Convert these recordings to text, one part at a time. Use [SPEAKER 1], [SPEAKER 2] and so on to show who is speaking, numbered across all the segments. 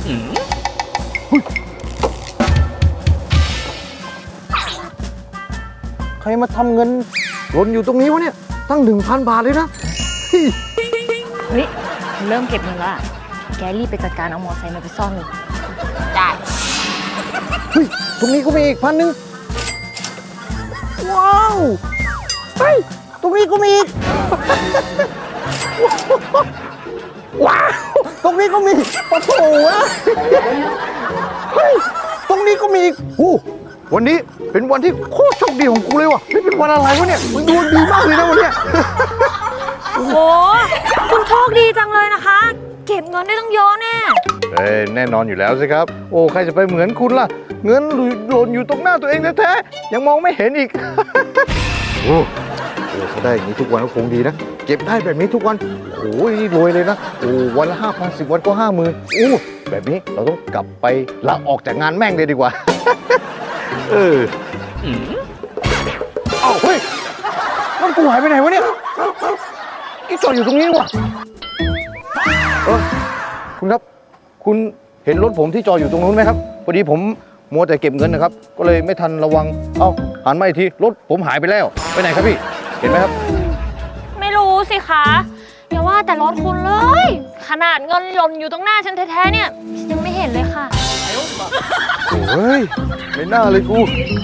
[SPEAKER 1] ใครมาทำเงินหล่นอยู่ตรงนี้วะเนี่ยตั้ง 1,000 บาทเลยนะ
[SPEAKER 2] เฮ้ยเริ่มเก็บเงินแล้วอะแกรีบไปจัดการเอามอไซค์มาไปซ่อนเลยได้
[SPEAKER 1] เฮ้ยตรงนี้ก็มีอีก1,000ว้าวเฮ้ยตรงนี้ก็มีอีกว้าวตรงนี้ก็มีโอ้โหเฮ้ยตรงนี้ก็มีอีกวันนี้เป็นวันที่โคตรโชคดีของกูเลยว่ะนี่เป็นวันอะไรวะเนี่ยมันดวงดีมากเลยนะวันเนี้ย
[SPEAKER 2] โอ้โหคุณโชคดีจังเลยนะคะ เก็บเงินได้ตั้งเยอะแน่
[SPEAKER 1] แน่นอนอยู่แล้วสิครับโอ้ใครจะไปเหมือนคุณล่ะเงินหล่นอยู่ตรงหน้าตัวเองแท้ๆยังมองไม่เห็นอีกโอ้ถ้าได้อย่างนี้ทุกวันก็คงดีนะเก็บได้แบบนี้ทุกวันโอ้ยรวยเลยนะโอ้วันละ 5,000 10 วันก็ 50,000โอ้แบบนี้เราต้องกลับไปลาออกจากงานแม่งเลยดีกว่าเอ้าเฮ้ยรถกูหายไปไหนวะเนี่ยจอดอยู่ตรงนี้วะคุณครับคุณเห็นรถผมที่จอดอยู่ตรงนู้นไหมครับพอดีผมมัวแต่เก็บเงินนะครับก็เลยไม่ทันระวังเอ้าหันมาอีกทีรถผมหายไปแล้วไปไหนครับพี่เห็นไหมครับ
[SPEAKER 2] ไม่รู้สิคะอย่าว่าแต่รถคุณเลยขนาดเงินหล่นอยู่ตรงหน้าฉันแท้ๆเนี่ยยังไม่เห็นเลยค่ะ
[SPEAKER 1] โอ้ยไม่น่าเลยกู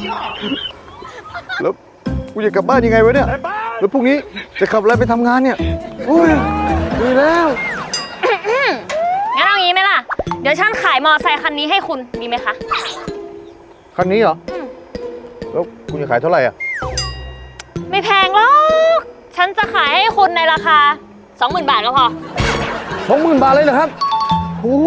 [SPEAKER 1] แล้วกูจะกลับบ้านยังไงวะเนี่ยแล้วพรุ่งนี้จะขับอะไรไปทำงานเนี่ยโอ้ยดีแล้ว
[SPEAKER 2] งั้นเอางี้ไหมล่ะเดี๋ยวฉันขายมอไซค์คันนี้ให้คุณดีไหมคะ
[SPEAKER 1] คันนี้เหรอแล้วคุณจะขายเท่าไหร่อ่ะ
[SPEAKER 2] ไม่แพงหรอกฉันจะขายให้คุณในราคา 20,000 บาทก็พอ
[SPEAKER 1] 20,000 บาทเลยเหรอครับโอ้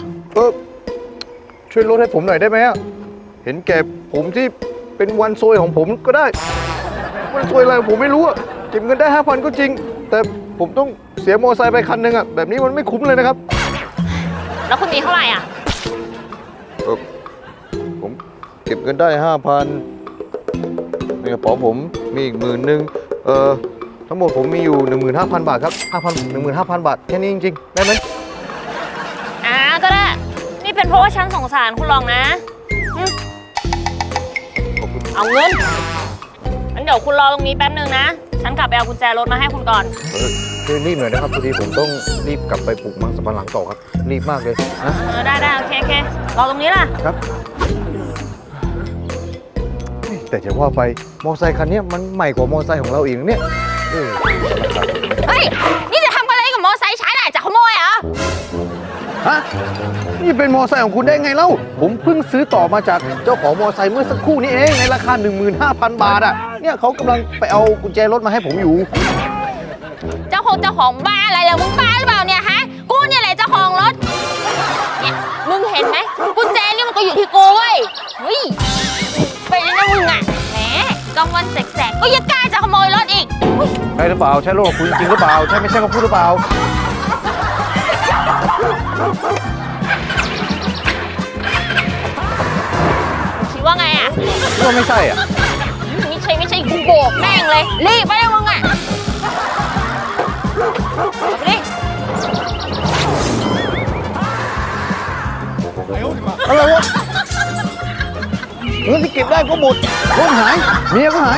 [SPEAKER 1] ช่วยลดให้ผมหน่อยได้ไหมอ่ะเห็นแก่ผมที่เป็นวันซวยของผมก็ได้วันซวยอะไรผมไม่รู้อ่ะเก็บเงินได้ 5,000 ก็จริงแต่ผมต้องเสียมอไซค์ไปคันหนึ่งอ่ะแบบนี้มันไม่คุ้มเลยนะครับ
[SPEAKER 2] แล้วคุณมีเท่าไหร่อ่ะ
[SPEAKER 1] ผมเก็บเงินได้ 5,000ในกระเป๋าผมมีอีก10,000ทั้งหมดผมมีอยู่ 15,000 บาทครับ15,000 บาทแค่นี้จริงๆได้ไหม
[SPEAKER 2] ก็ได้นี่เป็นเพราะว่าฉันสงสารคุณลองนะเอาเงินงั้นเดี๋ยวคุณรอตรงนี้แป๊บนึงนะฉันกลับไปเอากุญแจรถมาให้คุณก่อน
[SPEAKER 1] ช่วยรีบหน่อยนะครับพอดีผมต้องรีบกลับไปปลูกมังสวิรัติต่อครับรีบมากเลยนะ
[SPEAKER 2] ได้โอเครอตรงนี้ล่ะ
[SPEAKER 1] ครับแต่จะว่าไปมอเตอร์ไซค์คันนี้มันใหม่กว่ามอเตอร์ไซค์ของเราอีกเนี่ย
[SPEAKER 2] เฮ้ยนี่จะทำอะไรกับมอเตอร์ไซค์ฉันจะขโมยเหรอ
[SPEAKER 1] ฮะนี่เป็นมอเตอร์ไซค์ของคุณได้ไงเล่าผมเพิ่งซื้อต่อมาจากเจ้าของมอเตอร์ไซค์เมื่อสักครู่นี้เองในราคา 15,000 บาทอ่ะเนี่ยเขากำลังไปเอากุญแจรถมาให้ผมอยู่
[SPEAKER 2] เจ้าของบ้าอะไรล่ะมึงบ้าหรือเปล่าเนี่ยฮะกูเนี่ยแหละเจ้าของรถเนี่ยมึงเห็นไหมกุญแจนี่มันก็อยู่ที่กูเว้ยเฮ้ยไปแล้วนะมึงอ่ะแหมกลางวันแสกๆก็ยังกล้าจะขโมยรถอีก
[SPEAKER 1] ใช่หรือเปล่าใช่รถของคุณจริงหรือเปล่าใช่ไม่ใช่มาพูดหรือเปล่า
[SPEAKER 2] คิดว่าไงอ่ะ
[SPEAKER 1] ว่าไม่ใช่อ่ะ
[SPEAKER 2] ไม่ใช่กูโบกแม่งเลยรีบไปเลยมึงอ่ะไปดิ
[SPEAKER 1] อะไรวะเงินที่เก็บได้ก็หมดรถหายเมียก็หาย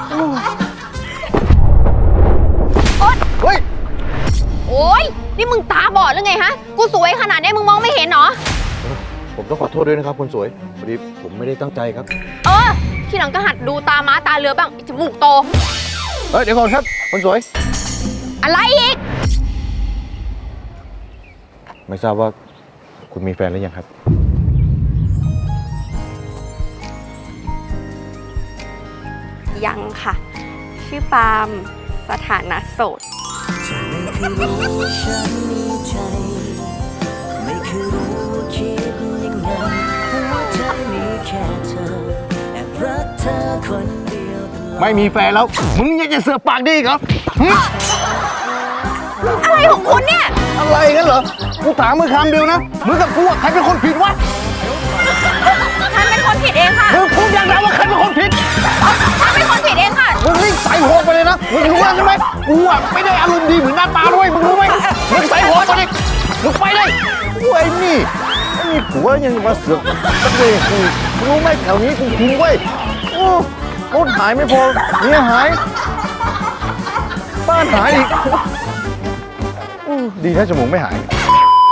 [SPEAKER 1] เฮ้ย
[SPEAKER 2] โอ๊ยนี่มึงตาบอดหรือไงฮะกูสวยขนาดนี้มึงมองไม่เห็นเหรอ
[SPEAKER 1] ผมต้องขอโทษด้วยนะครับคนสวยพอดีผมไม่ได้ตั้งใจครับ
[SPEAKER 2] ทีหลังก็หัดดูตาม้าตาเรือบ้างจมูกโต
[SPEAKER 1] เดี๋ยวก่อนครับคนสวย
[SPEAKER 2] อะไรอีก
[SPEAKER 1] ไม่ทราบว่าคุณมีแฟนหรือยังครับ
[SPEAKER 3] ยังค่ะชื่อปาล์มสถานะโสด
[SPEAKER 1] ไม่มีแฟนแล้วมึงยังจะเสือกปากดีครับ
[SPEAKER 2] อะไรของคุณเนี่ย
[SPEAKER 1] อะไรกันเหรอกูถามมึงคำเดียวนะมึงกับกูใครเป็นคนผิดวะ
[SPEAKER 2] ฉันเป็นคนผิดเองค่ะ
[SPEAKER 1] มึงพูดอย่างไรว่าใครเป็นคนผิด
[SPEAKER 2] ฉันเป็นคนผิดเองค่ะ
[SPEAKER 1] มึงรีบใส่หัวไปเลยนะมึงรู้แล้วใช่ไหมกูไม่ได้อารมณ์ดีเหมือนหน้าตาด้วยมึงรู้ไหมมึงใส่หัวไปเลยมึงไปเลยไอ้นี่มีผัวยังมาเสือกตะเบะกูรู้ไหมแถวนี้กูคุ้มเว้ยโอ้รถหายไม่พอเมียหาย บ้านหายอีกดีนะจมูกไม่หาย